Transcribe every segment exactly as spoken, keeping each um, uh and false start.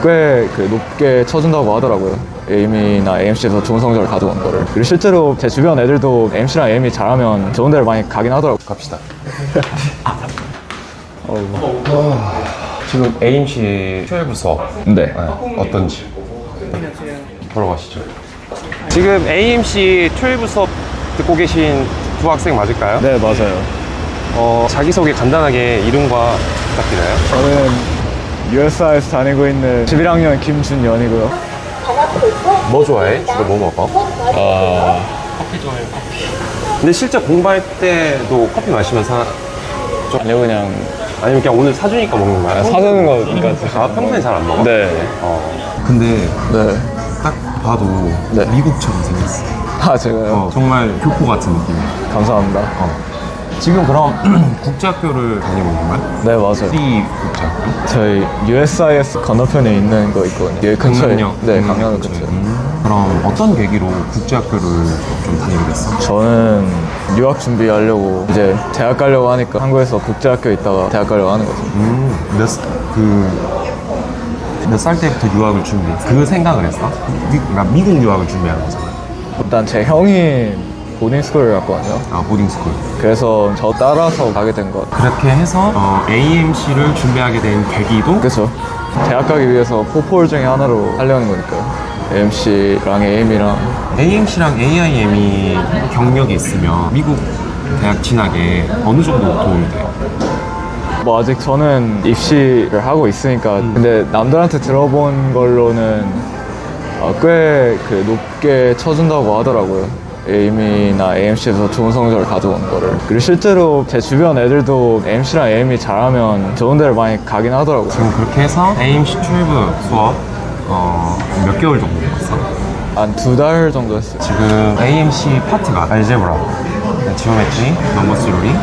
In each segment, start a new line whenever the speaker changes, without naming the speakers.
꽤 그 높게 쳐준다고 하더라고요. 에이엠이나 에이엠씨에서 좋은 성적을 가져온 거를. 그리고 실제로 제 주변 애들도 엠씨랑 에이엠이 잘하면 좋은 데를 많이 가긴 하더라고요.
갑시다. 지금 에이엠씨 트웰브 수업
네.
네, 어떤지 보러 가시죠.
지금 에이엠씨 트웰브 수업 듣고 계신 두 학생 맞을까요?
네, 맞아요.
어, 자기소개 간단하게 이름과 부탁드려요.
저는 유에스아이에서 다니고 있는 십일 학년 김준연이고요.
뭐 좋아해? 주로 뭐 먹어?
아,
근데 실제 공부할 때도 커피 마시면서
아니요, 그냥
아니면 그냥 오늘 사주니까 먹는 거야?
사주는 거니까.
아, 평소에 잘 안 먹어?
네.
어.
근데
네.
딱 봐도
네.
미국처럼 생겼어.
아, 제가요?
어, 정말 교포 같은 느낌이야.
감사합니다.
어. 지금 그럼 국제학교를 다니고 있는 거야?
네, 맞아요.
어디 국제학교?
저희 유에스아이에스 건너편에 있는 거 있거든요. 여기 근처에.
강남역?
네,
음,
강남역
근처에.
근처에.
음. 그럼 어떤 계기로 국제학교를 좀 다니게 됐어?
저는 유학 준비하려고 이제 대학 가려고 하니까 한국에서 국제학교에 있다가 대학 가려고 하는 거죠.
음, 몇, 스- 그, 몇 살 때부터 유학을 준비했어? 그 생각을 했어? 미, 그러니까 미국 유학을 준비하는 거잖아.
일단 제 형이 보딩스쿨을 갔거든요.
아, 보딩스쿨.
그래서 저 따라서 가게 된 것 같아요.
그렇게 해서 어, 에이엠씨를 준비하게 된 계기도
그렇죠. 대학 가기 위해서 포폴 중에 하나로 하려는 거니까요. 에이엠씨랑 에이엠이랑.
에이엠씨랑 에이아이엠이 경력이 있으면 미국 대학 진학에 어느 정도 도움이 돼?
뭐 아직 저는 입시를 하고 있으니까. 근데 남들한테 들어본 걸로는 어, 꽤 그 높게 쳐준다고 하더라고요. 에이엠이나 에이엠씨에서 좋은 성적을 가져온 거를. 그리고 실제로 제 주변 애들도 엠씨랑 에이엠이 잘하면 좋은 데를 많이 가긴 하더라고요.
지금 그렇게 해서 에이엠씨 트웰브 수업 어, 몇 개월 정도 배웠어?
한 두 달 정도 했어요.
지금 에이엠씨 파트가 알제브라, 지오메트리, 넘버 스로리,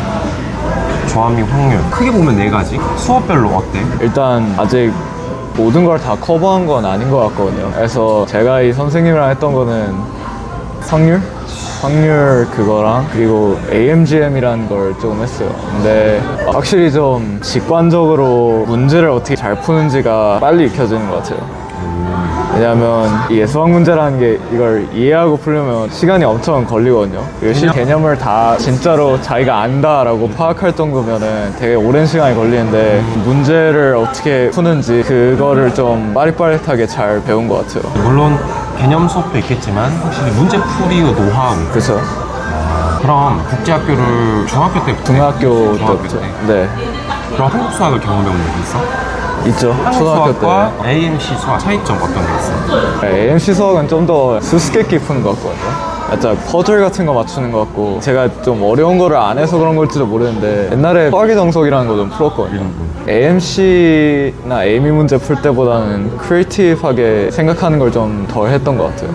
조합 및 확률 크게 보면 네 가지. 수업별로 어때?
일단 아직 모든 걸 다 커버한 건 아닌 것 같거든요. 그래서 제가 이 선생님이랑 했던 거는 확률? 확률 그거랑 그리고 에이엠지엠이라는 걸 좀 했어요. 근데 확실히 좀 직관적으로 문제를 어떻게 잘 푸는지가 빨리 익혀지는 것 같아요. 왜냐하면 이 수학 문제라는 게 이걸 이해하고 풀려면 시간이 엄청 걸리거든요. 이 실 개념을 다 진짜로 자기가 안다라고 파악할 정도면은 되게 오랜 시간이 걸리는데 문제를 어떻게 푸는지 그거를 좀 빠릿빠릿하게 잘 배운 것 같아요.
물론 개념 수업도 있겠지만 확실히 문제풀이 노하우.
그렇죠.
그럼 국제학교를 중학교 때부터
중학교
중학교
때부터.
때.
네.
그럼 한국 수학을 경험해 본 적이 있어?
있죠.
한국
초등학교
수학과
때.
에이엠씨 수학 차이점 어떤 게 있어?
에이엠씨 수학은 좀 더 수수께끼 푸는 것 같거든요. 살짝 퍼즐 같은 거 맞추는 것 같고 제가 좀 어려운 거를 안 해서 그런 걸지도 모르는데 옛날에 수학의 정석이라는 거 좀 풀었거든요. 에이엠씨나 에이엠이 문제 풀 때보다는 크리에이티브하게 생각하는 걸 좀 덜 했던 것 같아요.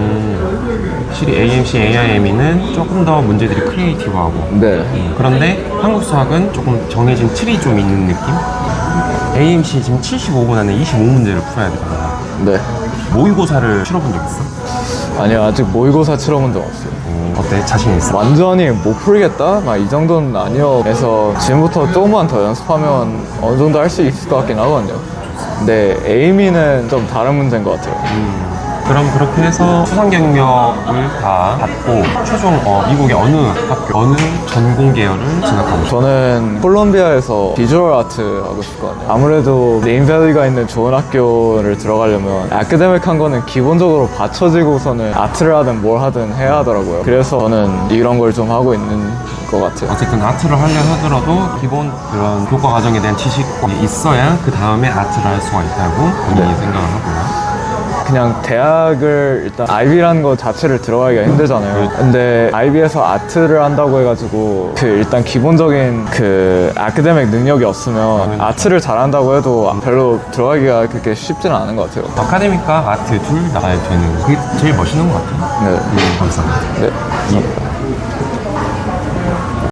음, 확실히 에이엠씨, 에이아이엠이는 조금 더 문제들이 크리에이티브하고
네.
그런데 한국 수학은 조금 정해진 틀이 좀 있는 느낌? 에이엠씨 지금 칠십오 분 안에 이십오 문제를 풀어야 되잖아.
네.
모의고사를 치러본 적 있어?
아니요, 아직 모의고사 치러본 적 없어요.
음, 어때? 자신 있어?
완전히 못 풀겠다? 막 이 정도는 아니요. 그래서 지금부터 조금만 더 연습하면 어느 정도 할 수 있을 것 같긴 하거든요. 근데 에이미는 좀 다른 문제인 것 같아요.
음, 그럼 그렇게 해서 수상 경력을 다 받고 최종 어, 미국의 어느 학교, 어느 전공 계열을 진학하고 싶어?
저는 콜롬비아에서 비주얼 아트 하고 싶거든요. 아무래도 네임밸리가 있는 좋은 학교를 들어가려면 아카데믹한 거는 기본적으로 받쳐지고서는 아트를 하든 뭘 하든 해야 하더라고요. 그래서 저는 이런 걸 좀 하고 있는 것 같아요.
어쨌든 아트를 하려 하더라도 기본 그런 교과 과정에 대한 지식이 있어야 그 다음에 아트를 할 수가 있다고 본인이
네.
생각을 하고요.
그냥 대학을 일단 아이비라는 거 자체를 들어가기가 힘들잖아요. 근데 아이비에서 아트를 한다고 해가지고 그 일단 기본적인 그 아카데믹 능력이 없으면 아트를 잘한다고 해도 별로 들어가기가 그렇게 쉽지는 않은 것 같아요.
아카데믹과 아트 둘 다 되는 그게 제일 멋있는 것 같아요.
네.
음, 감사합니다.
네. 감사합니다.